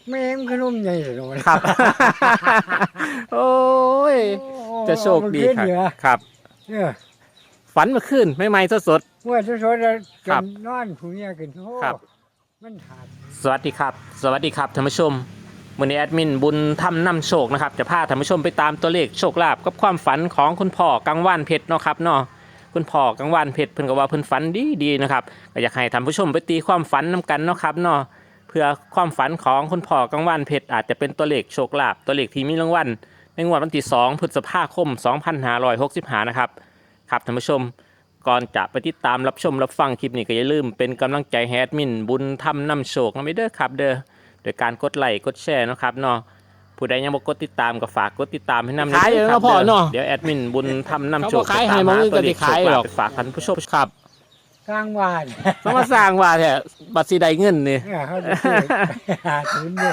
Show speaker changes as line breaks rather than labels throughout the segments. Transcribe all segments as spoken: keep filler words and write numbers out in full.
แม่งขนมใหญ่เลย
ครับ โอ้ยจะโชคดีครับครับ
เนี่ย
ฝันเมื่อคืนไม่ไม่สดสด
เมื่อสดๆแล้ว
ครั
จ
บ
นนอนผู้เนี้ยกินโอ้
ครับ
มันขาด
สวัสดีครับ สวัสดีครับท่านผู้ชมวันนี้แอดมินบุญทำนำโชคนะครับจะพาท่านผู้ชมไปตามตัวเลขโชคลาภกับความฝันของคุณพ่อกังวานเพชรเนาะครับเนาะคุณพ่อกังวานเพชรเพิ่นก็ว่าเพิ่นฝันดีดีๆนะครับก็อยากให้ท่านผู้ชมไปตีความฝันนํกันเนาะครับเนาะเพื่อความฝันของคุณพ่อกังวานเพชรอาจจะเป็นตัวเลขโชคลาภตัวเลขที่มีรางวัลในงวดวันที่สองพฤษภาคมสองพันห้าร้อยหกสิบห้านะครับครับท่านผู้ชมก่อนจะไปติดตามรับชมรับฟังคลิปนี้ก็อย่าลืมเป็นกำลังใจให้แอดมินบุญทำนำโชคนะไม่เด้อครับเด้อโดยการกดไลค์กดแชร์นะครับเนาะผู้ใดยังบ่กดติดตามก็ฝากกดติดตามให้นำ
ขายอยู่
ด้
เนาะพ่อเนาะ
เดี๋ยวแอดมินบุญทำนำโชค
เขาบ่ขายให้มึงก็สิขายหรอก
ไปฝากท่านผู้ชมครับ
กลางวาน
ต้องมาสร้างว่าแท้บัตรสีใดเงินนี่
เนี่ยเขาจะซื้อหาทุนเนี่ย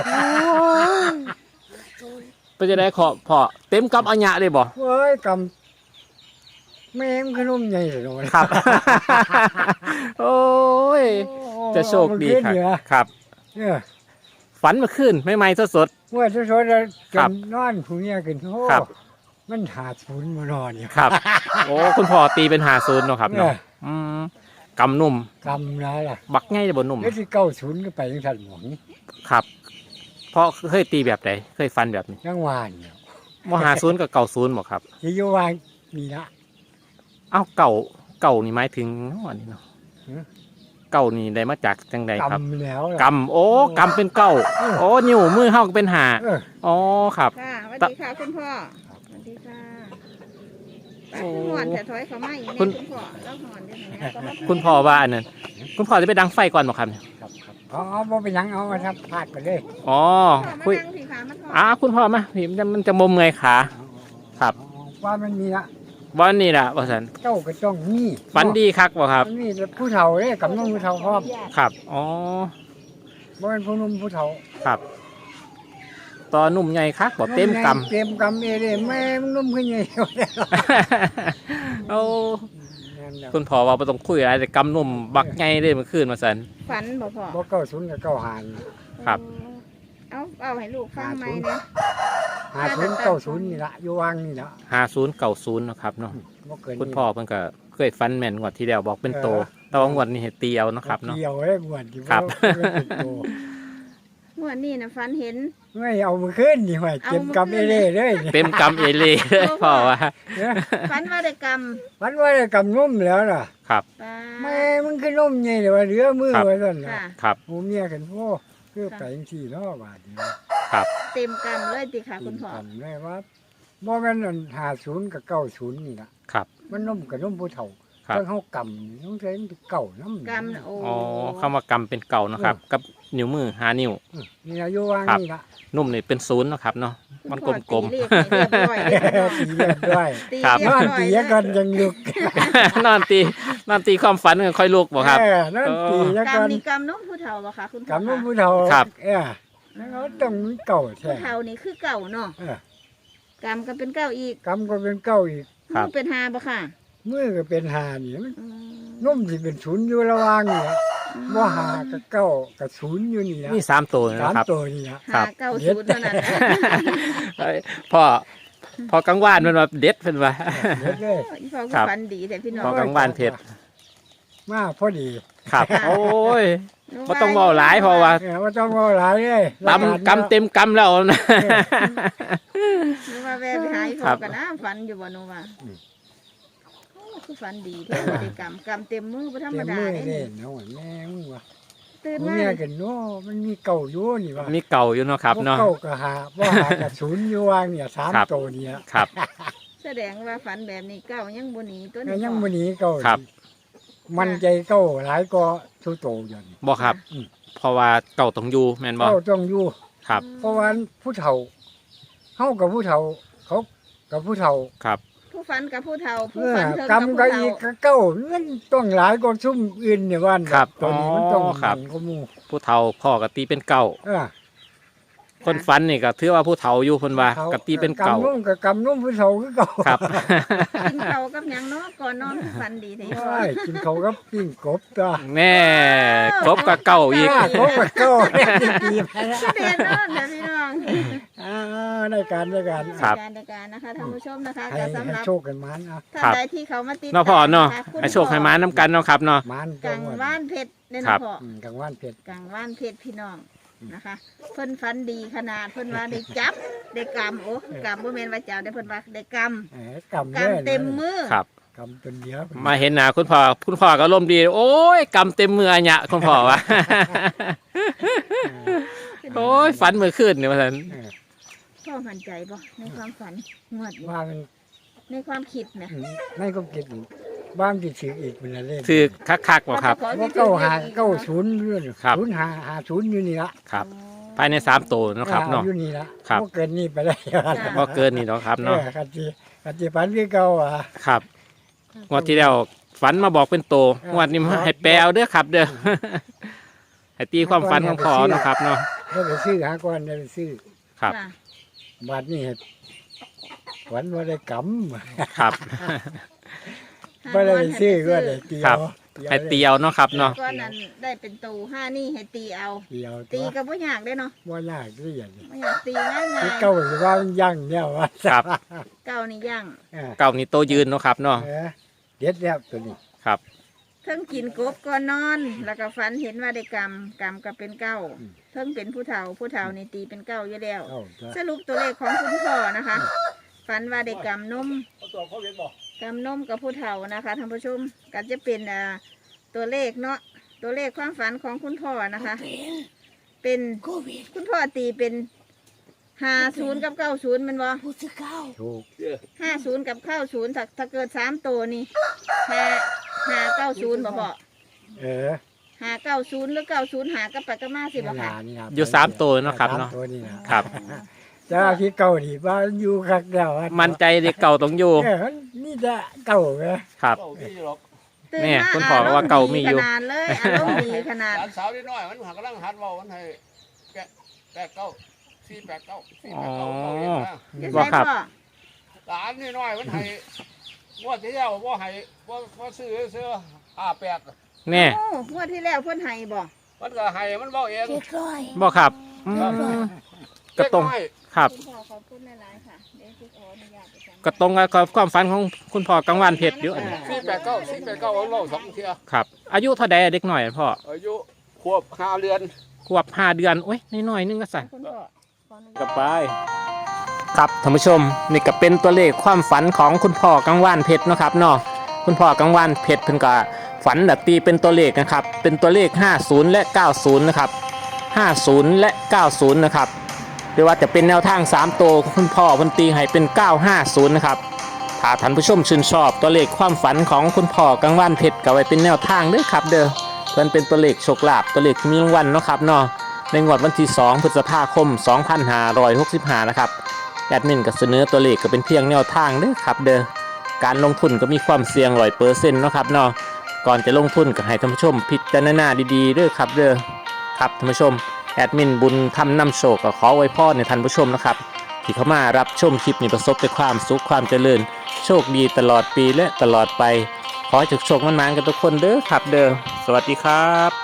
ไปจะได้ขอพอเต็มกับอัญญะเลยบ่
เว้ยกำแม่งขนมใหญ่เลย
ครับ โอ้ยจะโชคดีครับครับ
เนี่ย
ฝันเมื่อคืนไม่ไม่สดสด
เมื่อสดๆแล้วจ
ครับ
นนอนผู้เนี้ยกินโอ้
ครับ
มันหาทุนมานอนเนี่ย
ๆครับ โอ้คุณพ่อตีเป็นหาศูนย์เนาะครับ
เนี่
เนาะ
ย
อืมกำนุ่ม
กำนะล่ะ
บักง่ายจะบ่นุ่ม
แล้วที่เก้าศูนย์ก็ไปยังทันหมอง
ครับเพราะเคยตีแบบไหนเคยฟันแบบนี้
ยังวานเนี่ย
มหาศูนย์กับเก่าศูนย์บ่ครับ
ที่อยู่วานมีละ
เอ้าเก่าเก่านี่หมายถึงอันนี้เนาะ
หือ
เก่านี่ได้มาจากจังใดครับ
กำแล้วล่ะ
กำโอ้กำเป็นเก่า
เออ
โอ้นิ้วมือเฮาก็เป็นหา
เออ
อ๋อครับ
ค่ะสวัสดีค่ะคุณพ่อสวัสดีค่ะไป
โอ้
คุณหอนแต่ถอยเขาไม่เนี่ย
คุณ
คุณพ่อแล้วหอนเดี๋ยวนี้นะก็มา
คุณพ่อว่าอันนั้นคุณพ่อจะไปดังไฟก่อนบ่ครับเนี่ย
ครับครับเอาเอาบ่ไปหยังเอามาทับพลาดไปเลย
อ๋อ
พ่อ
คุย
มานั่งสิขามาถอด
อ้าคุณพ่อมาพี่มันจะมันจะมุมไงขา ครับ
เอาว่ามันมีละ
วันนี้ล่ะว่าซั่น
เจ้าก็ต้องมี
ฝันดีคักบ่ครับ
มันมีแต่ผู้เฒ่าเด้กับน้องผู้เฒ่าพร้อม
ครับอ๋อ
บ่เป็นผู้หนุ่มผู้เฒ่า
ครับตอนุ่มใหญ่คักบ่เต็มกำ
เต็มกำเอเด้แม่มันนุ่มขึ้นใหญ่
โอ้คุณพ่อว่าบ่ต้องคุยอะไรแต่กำนุ่มบักใหญ่เลยเมื่อคืนมาซั่น
ฝันบ่พ่อ
บ่เก้าศูนย์กับเก้าหาน
ครับ
เอาเอาให้ลูกฟังไหมเนี่ย
หาศูนย์เก้าศูนย์นี่ละอยู่วางนี่ละ
ห้าศูนย์เก้าศูนย์เนาะครับเนาะ
บ่เกิน
คุณพ่อเพิ่นก็เคยฟันแม่นงวดที่แล้วบอกเป็นโต แต่ว่างวดนี้ให้ตีเอาเนาะครับเนาะ
เกี่ยวได้บวชที่
ครับ
เมื่อนี่นะฝันเห็น
ไม่เอามือขึ้นนี่หว่าเต็มกำเอเด้เลยนี่
เต็มกำเอเล่เลยพ่อว่า
เนี่ย
ฝันว่าได้กรรม
มันว่าได้กำนุ่มแล้วล่ะ
ครับ
ปลา
แม่มันคือนุ่มใหญ่เลยว่าเหลือมือ
ครับ
ไว้ซั่นน่ะ
ค่ะ
ครับ
หมูเมียกันโอ้คือไปจังซี่เนาะบาดนี้
ครับ
เต็มกรรมเลยติค่ะคุณพ่อ
จำได้ว่าบ่แม่นอันห้าศูนย์กับเก้าศูนย์นี่ล่ะ
ครับ
มันนุ่มกับนุ่มผู้เฒ่า
ครับ
เพิ่งเฮากำต้องใช้มันเป็นเก่านำ
กรรมน่ะโอ้
อ๋อคำว่ากำเป็นเก่าเนาะครับ กับนิ้วมือห้านิ้ว
นี่อายุวาง
ครับ
นี่ล่ะ
นุ่มนี่เป็นศูนย์เนาะครับเนาะ มันกลม
ๆตีเลขให้เรียบร้อยเด้อ
สี
พี่น้อง
เรียบด้วยนอนตีกันยังลุก
ๆ นอนตีนอนตีความฝันกันค่อยลุกบ่ครับ
เออนอนตียัง
กรร
กั
ม
น
นี่กรรมน้องผู้เฒ่าบ่คะคุณพ่อก
ำนุ่มผู้เฒ่า
ครับ
เออแล้วเขาต้องมีเก่าแท้
ผู้เฒ่านี่คือเก่าเนาะ
เออก
รรมก็เป็นเก่าอีก
กำก็เป็นเก่าอีก
ครับ
มือเป็นหาบ่ค่ะ
มือก็เป็นหานี่มัน
อืม
นุ่มสิเป็นศูนย์อยู่ระหว่างนี่ล่ะบ่หากับเก้ากับศูนย์อยู่นี่ล่ะ
นี่สามตัว
สาม
นะครับ
ตัวนี่ล่ะ
ครั
หา
บ
เก้าศูนย์เท่านั้นนะ
พ่อพอกังวานมันมาเด็ดเป็นว่า
เด็ดเลย
อีพ่อ
ครั
ก็
บ
ฝันดีแต่พี่น้อ
พอง กังวานเพชร
มาพอดี
ครับ โอ้ยบ่ต้องเว้าหลายเพราะว่า
เออว่าต้องเอาหลายเลย
กำกำเต็มกำแล้วนะ
หนูว่าแวะไปหาอี
ครั
พ่อบ กันนะฝันอยู่บ่หนูว่าโอ้คือฝันดีแท้บ่ได้กรรมกรรมเต็มมือบ่ธรร
เต็
ม
ม
ดา
มือ
เด้
เด่
นี่
นเนาะแม่มึงวะ
ตื่น
มึง
มา
เนี่ยกันเนาะมันมีเก่าอยู่นี่วะ
มีเก่าอยู่เนาะครับเนาะ
เก่ากับหาว่าหากับศูนย์อยู่วางเนี่ยสาม
ครับ
ตัวเนี่ย
ครับ
แสดงว่าฝันแบบนี้เก้ายังบ่หนีตัว
ก็
นี้
ยัง
พ่อ
วันนี้เก่า
ครับ
มันใจเก่าหลายก็ทุโตอยู่นี่
บ่ครับ
อืม
เพราะว่าเก่าต้องอยู่แม่นบ่
เก่าต้องอยู่
ครับ
เพราะว่าผู้เฒ่าเฮากับผู้เฒ่าเขากับผู้เฒ่า
ครับ
ผู้ฝันกับผู้เฒ่า
เอ
ผู้
อ
ฝันเทิง
กร
กั
ร
บ
ม
ผู้
ก็
เฒ่า
อีกก็เก่ามันต้องหลายก็ซุ่มอื่นเนี่ยว่า
ครับ
ตัวนี้มันต้อง
อ๋อครับ
หนังก็หมู่
ผู้เฒ่าพ่อก็ตีเป็นเก่า
เออ
คนฝันนี่ก็ถือว่าผู้เฒ่าอยู่เพิ่นว่ากะตีเป็นเก่าก
ำนุ่มกับกำนุ่มผู้เฒ่าคือเก่า
ครับ
กินข้าวกับหยังเนาะก่อนนอนคือฝันดีแท้
ใช่กินเขาวกับปิ้งกบตัว
แน่ครบกับเก่าอีก
อ่ากบกับเก่าดีไปแล้ว
เรียนเนาะเดี๋ยวพี่น้อง
อ่าในการในการ
ครับ
การในการนะคะท่านผู้ชมนะคะ
ให้
ก็สำห
ให้
รับ
โชคกันมันอ่ะ
ท่าน
ครับ
ใดที่เขามาติด
เนาะพ่อเนาะ
ตมค
ให้โชคให้มานํกันเนาะครับเนาะ
มัน
กังว่านเพชรเนี่ย
ครั
นะ
บ
พ่อ
อืมกังว่านเผ็ด
กังว่านเพชรพี่น้องนะคะ เพิ่นฝันดีขนาดเพิ่นว่าได้จับได้กำโอ้กำบ่แม่นว่าเจ้าได้เพิ่นว่าได้ก
แหมกำ
ำ
แน่
กำเต็มมือ
ครับ
กำจนเดียว
มาเห็นหน้าคุณพ่อคุณพ่อก็ร่มณ์ดี โอ้ยกำเต็มมืออะเนี่ยคุณพ่อว่า โอ้ยฝันเมื่อคืนนี่ว่าซั่น
เออ
พ่อมั่นใจบ่ในความฝันงวดนี้
ว่ามัน
ในความคิดนะ
อืมในก็คิดอยู่บ้านที่ถืออีกเป็นอะไร
ถือคักๆบ่ครับ
ว่าเก้าหาเก้าศูนย์เรื่อง
ครับ
ศูนย์หาหาศูนย์อยู่นี่ละ
ครับ ภายในสามตัวเนาะครับเนาะ
อยู่นี่ละ
ครับ
บ่เกินนี่ไปได้
บ่เกินนี่เนาะครับ
เอ
เนาะ
อกันจีกันจีฝันคือเก่าอ่ะ
ครับงวดที่แล้วฝันมาบอกเป็นโตงวดนี้ให้แปลเอาเด้อครับ เด้อ ให้ตีความฝันของพ่อเนาะครับเนาะ
ได้ไปซื้อหาก่อนได้ไปซื้อ
ครับ
จ้ะ
บาทนี่ฝันว่าได้กำ
ครับ
ไม่ได้ไปซื้อก็ได้เตีย
ครับ
ว
ให้เตียวเนาะครับเนาะ
ก้อนนั้นได้เป็นตูห้านี่ให้ตีเอา
เตียว
ตี
ตัว
ก็บ่ยากได้เนาะ
ว่ายากที่อย่างนี้
ไม่อยากตีง่าย
คือเก่าหรือว่ามันยั่งเนี่ยว่า
ครับ
ๆเก้านี่ย่าง
เออ
เก่านี่โตยืนเนาะครับเนาะ
เออเด็ดแล้วตัวนี้
ครับ
เทิงกินกบก่อนนอน แล้วก็ฝันเห็นว่าได้กรรมกรรมก็เป็นเก้าเทิงเป็นผู้เฒ่าผู้เฒ่านี่ตีเป็นเก้าอยู่แล้ว
เก้าตัว
สรุปตัวเลขของคุณพ่อนะคะฝันว่าได้กรรมนมกรรมนมกับผู้เฒ่านะคะท่านผู้ชมก็จะเป็นอ่าตัวเลขเนาะตัวเลขความฝันของคุณพ่อนะคะ เป็นคุณพ่อตีเป็นห้าศูนย์กับเก้าศูนย์มันบ่
ถูก
ห้าศูนย์กับเก้าศูนย์ถ้าถ้าเกิดสามตัวนี่ห้าห้าเก้าศูนย์บ่พอ
เออ
ห้าเก้าศูนย์หรือเก้าศูนย์หากับไปกับมาสิบ่
นี่
ค่ะ
ล่ะนี่ล่ะ
อยู่สามตัวเนาะครับเนาะ
สมตัวนี่นะครับ แต่ว่าที่เก่านี่ว่าอยู่คักแล้วอะ
มั่นใจเด็กเก่าต้องอยู่
เออนี่จะเก่าไง
ครับ
ตื่น
เนี่ย
มา
คุณพ่อก็ว่าเก่ามีอยู่
ขนาดเลยอารมณ์ดีขนาด
หลานสาวนิดหน่อยมันหักกำลังหัดเว่ามันให้แปดแปดเก้าสี่แปดเก้าสี่แปดเก้าเก้าเอ็ดนะ
จะ
บ่
ใช่
ครับ
พ่อ
หลานนิดหน่อยมันให้งวดที่แล้วว่าให้ว่าว่าซื้อซื้อห้าแปด
แน่
โอ้งวดที่แล้วเพิ่นให้บ่
มันก็ให้มันบอกเอง
บ่ครับอืมก็ตรง
เล็น้อย
ครับ
คุณพ่อขอบคุณหลายๆค่ะเดี๋ยวจะขออนุญาตไปสั่ง
ก็ตรงกับความฝันของคุณพ่อกังวานเพชรอยู่
สี่แปดเก้าสี่แปดเก้าเอาเล่าสองเทีย
ครับ อายุเท่าใดเด็กหน่อยพ่อ
อายุขวบห้าเดือน
ขวบห้าเดือนโอ้ยน้อยๆนึงก็สั่น
คุณพ่อขออนุญาต
กับไปครับท่านผู้ชมนี่ก็เป็นตัวเลขความฝันของคุณพ่อกังวานเพชรเนาะครับเนาะคุณพ่อกังวานเพชรเพิ่นก็ฝันแบบตีเป็นตัวเลขนะครับเป็นตัวเลขห้าสิบและเก้าสิบนะครับห้าสิบและเก้าสิบนะครับหรือว่าจะเป็นแนวทางสามตัวคุณพ่อเพิ่นตีให้เป็นเก้าห้าศูนย์นะครับถ้าท่านผู้ชมชื่นชอบตัวเลขความฝันของคุณพ่อกังวานเพชรก็ไว้เป็นแนวทางเด้อครับเด้อเพิ่นเป็นตัวเลขโชคลาภตัวเลขที่มีรางวัลเนาะครับเนาะในงวดวันที่สองพฤษภาคมสองพันห้าร้อยหกสิบห้านะครับแอดมินก็เสนอตัวเลขก็เป็นเพียงแนวทางเด้อครับเด้อการลงทุนก็มีความเสี่ยงร้อยเปอร์เซ็นต์เนาะครับเนาะก่อนจะลงทุนก็ให้ท่านผู้ชมพิจารณาดีๆเด้อครับเด้อครับท่านผู้ชมแอดมินบุญทำนำโชคก็ขอไว้พรในท่านผู้ชมนะครับที่เข้ามารับชมคลิปนี้ประสบแต่ความสุขความเจริญโชคดีตลอดปีและตลอดไปขอให้โชคๆมันๆกันทุกคนเด้อครับเด้อสวัสดีครับ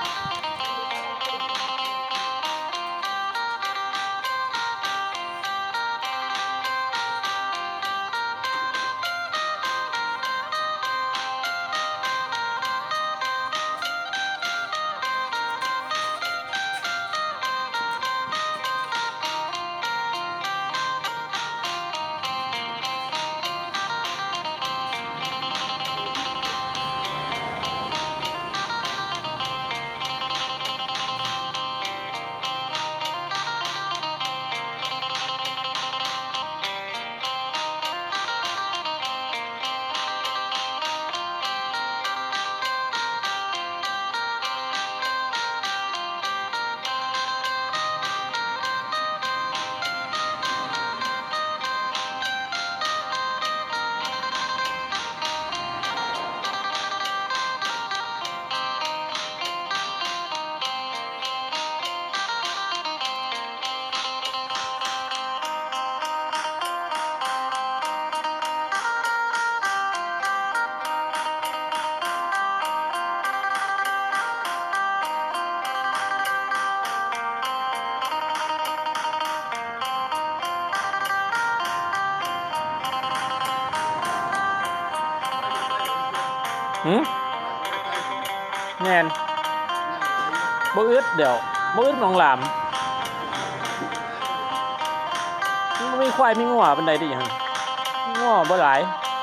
หืมแม่นบ่อึดเดี๋ยวบ่อึดหนองหลามมันบ่มีควายมีงัวปานใดเดิหยังงัวบ่หลาย